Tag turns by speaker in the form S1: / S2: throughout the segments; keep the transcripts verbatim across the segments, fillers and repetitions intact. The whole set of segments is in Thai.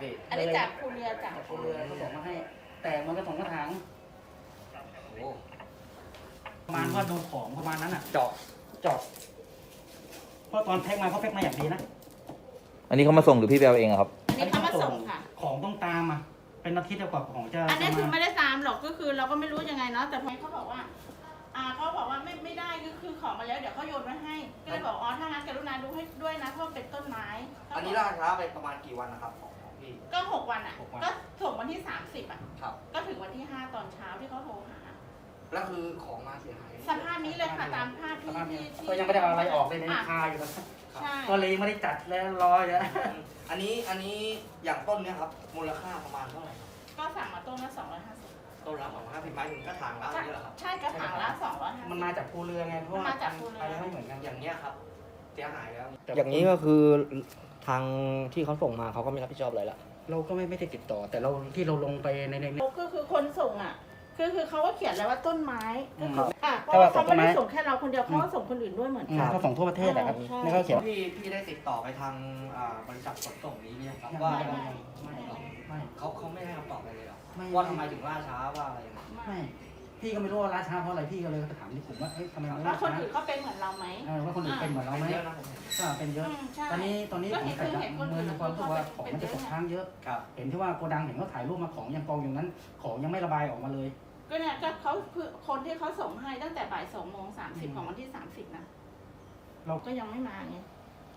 S1: พี่
S2: อันนี้จากภูเรือจาก
S3: ภูเรือเขาส่งมาให้ แต่มันก็ส่งกระถาง
S1: โอ้
S3: ประมาณว่าดูของประมาณนั้นอ่ะ
S1: เจาะ
S3: เจาะเพราะตอนแพ็คมาเขาแพ็คมาอย่างดีนะ
S4: อันนี้เขามาส่งหรือพี่ไปเอาเองอะครับ
S2: อันนี้เขามาส่งค่ะ
S3: ของต้องตามอ่ะเป็นอาทิตย์กว่าของจะ
S2: อันนี้คือ
S3: มา
S2: ไม่ได้ตามหรอกก็คือเราก็ไม่รู้ยังไงเนาะแต่พอเขาบอกว่า อ่าเขาบอกว่าไม่ไม่ได้ก็คือของมาแล้วเดี๋ยวเขาโยนไว้ให้ก็เลยบอกอ๋อถ้างั้นกรุณาดูให้ด้วยนะเพราะเป็นต้นไม้
S1: อันนี้ล่าช้าไปประมาณกี่วันนะครับของของพี่
S2: ก็หกวันอ่ะก็ส่งวันที่สามสิบอ่ะ
S1: ครับ
S2: ก็ถึงวันที่ห้าตอนเช้าที่เขาโทรหา
S1: แล้วคือของมาเสียหาย
S2: สภาพนี้เลยค่ะตามภาพที่
S3: สภาพนี้
S2: ที่
S3: ก็ยังไม่ได้เอาอะไรออกเลยใน
S2: อ่ะ
S3: คาอยู่นะ
S2: ใช่
S3: ก็เลยไม่ได้จัดแล้วรออยู่นะ
S1: อันนี้อันนี้อย่างต้นเนี้ยครับมูลค่าประมาณเท่าไหร่ครับ
S2: ก็สั่งมาต้นละสองร้อยห้าสิบ
S1: ต้นละสองห้าสิบไม้ถึงกระถางละนี่เหรอครับ
S2: ใช่กระถางละสองร้อยห้าสิบ
S3: มันมาจากภูเรือไงเพราะว่า
S2: มาจากภูเรือ
S3: อะไรไม่เหมือนกัน
S1: อย่างเนี้ยครับเสียหายแล้ว
S5: อย่างนี้ก็คือทางที่เขาส่งมาเขาก็ไม่รับผิดชอบอะไรละ
S3: เราก็ไม่ไม่ได้ติดต่อ แต่เราที่เราลงไปในใน
S2: ก็คือคนส่งอ่ะคือคือเขาก็เขียนแล้วว่าต้นไม้
S3: อืม
S2: เขาอ่ะเพ
S3: ถ้า
S2: ราะ
S3: ว่า
S2: ว่าเขาไม่ได้
S3: ต้นไม้
S2: ส่งแค่เราคนเดียวเขาก็ส่งคนอื่นด้วยเหมือน
S3: อืม
S2: กัน
S3: เขาส่งทั่วประเทศแหละครับ
S2: ใช่
S3: นี่เขาเขียน
S1: พี่พี่ได้ติดต่อไปทางอ่าบริษัทขนส่งนี้ไหมครับ
S3: ไม่
S1: ว่า
S3: ไม่ไม่ไม่
S1: เขาเขาไม่ให้คำตอบอะไรเลยเหรอ
S3: ไม่
S1: ว่าทำไมถึงล่าช้าว่าอะไรยังไง
S3: ไม่พี่ก็ไม่รู้ว่าราช้าเพราะอะไรพี่ก็เลยไปถามที่กลุ่มว่าเฮ้ยทำไมมัน
S2: ว่า
S3: รา
S2: คน
S3: ช้า
S2: อื่นเขาเป็นเหมือนเราไหม
S3: เออว่าคนอื่นเป็นเหมือนเราไหม
S1: เยอะนะผมเห็น
S3: ก็เป็นเยอะ
S2: อืมใช่
S3: ตอนนี้ตอนนี้
S2: ก็
S3: ผม
S2: เห็น
S3: ใส่
S2: คือเห็นคนอื่
S3: มือน ความรู้สึกว่าของมันจะตกค้างเยอะ
S1: ครับ
S3: เห็นที่ว่าโกดังเห็นเขาถ่ายรูปมาของยังกองอยู่นั้น ของยังไม่ระบายออกมาเลย
S2: ก็เนี่ยก็เขาคือคนที่เขาส่งให้ตั้งแต่บ่ายสองโมงสามสิบของวันที่สามสิบนะ
S3: เรา
S2: ก็ยังไม่มาไง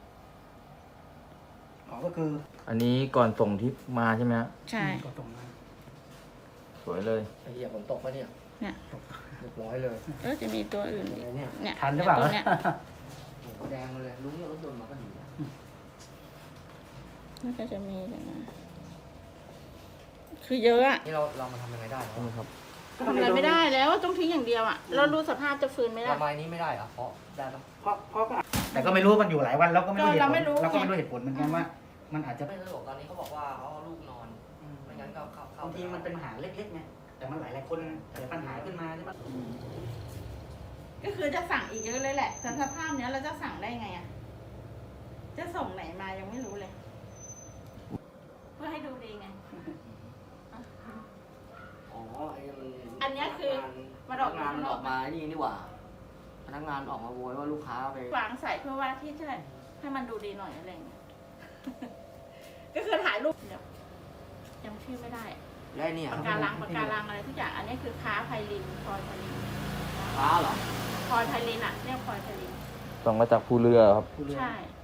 S3: ของก็คือ
S4: อันนี้ก่อนส่งที่มาใช่ไหมฮะ
S2: ใช่
S3: ก็ตรงมา
S4: สวยเลย
S5: ไอ้เหี้ยฝนตกปะเนี่ย
S2: เนี่ย
S5: เรียบร้อยเลย
S2: เออจะมีตัวอื่นอีก
S5: อะไรเนี่ย
S2: เนี่ย
S3: ทันหรือเปล่า
S2: ตัวเนี่ย
S5: โอ้โหแดงมาเลยลุงเนี่ยรถยนต์มาก็ดีนะ
S2: มันก็จะมีอย่างนั้นคือเยอะอะ
S5: นี่เราเรามาทำยังไงได้ครับ
S2: ทำอะไรไม่ได้แล้วต้องทิ้งอย่างเดียวอะเรารู้สภาพจะฟื้นไหมล่ะ
S5: ระบายนี้ไม่ได้เหรอเพราะได้ปะ
S3: เพราะเพราะก็แต่ก็ไม่รู้ว่ามันอยู่หลายวันเราก็ไม่รู้เหตุ
S2: เรา
S3: ผ
S2: ไม่
S3: ล
S2: รู้
S3: เราก็ไม่รู้เหตุผลเหมือนกันว่า มันอาจจะ
S1: ไม่สะดวกตอนนี้เขาบอกว่าเขาเอาลูกนอน ไม่งั้นก็เข้าเข้า
S3: บางทีมันเป็นปัญหาเล็กๆไงแต่มันหลายหลายๆคนเกิดปัญหาขึ้นมาใช่ไหม
S2: ก็คือจะสั่งอีกเยอะเลยแหละแต่สภาพเนี้ยเราจะสั่งได้ไงอะจะส่งไหนมายังไม่รู้เลย เพื่อให้ดูดีไง
S5: อ๋อไอ้มัน
S2: อันเนี้ยคือ
S5: พนักงานมันออกมาไอ้นี่นี่หว่า พนักงานออกมาโวยว่าลูกค้าไป
S2: วางใส่เพื่อว่าที่จะให้มันดูดีหน่อยอะไรอย่างเงี้ย ก็คือถ่ายรูปเดี๋ยวยังชื่อไม่ได้
S5: แล้วไอ้เนี่ย
S2: ปากการังปากการังอะไรทุกอย่าง อันนี้คือค้าไพลินพลอยไพลิน
S5: ค้าเหรอ
S2: พลอยไพลินอ่ะเรียกพลอยไพลิน
S4: ส่งมาจากภูเรือครับ
S3: ผู้เรือ
S2: ใช่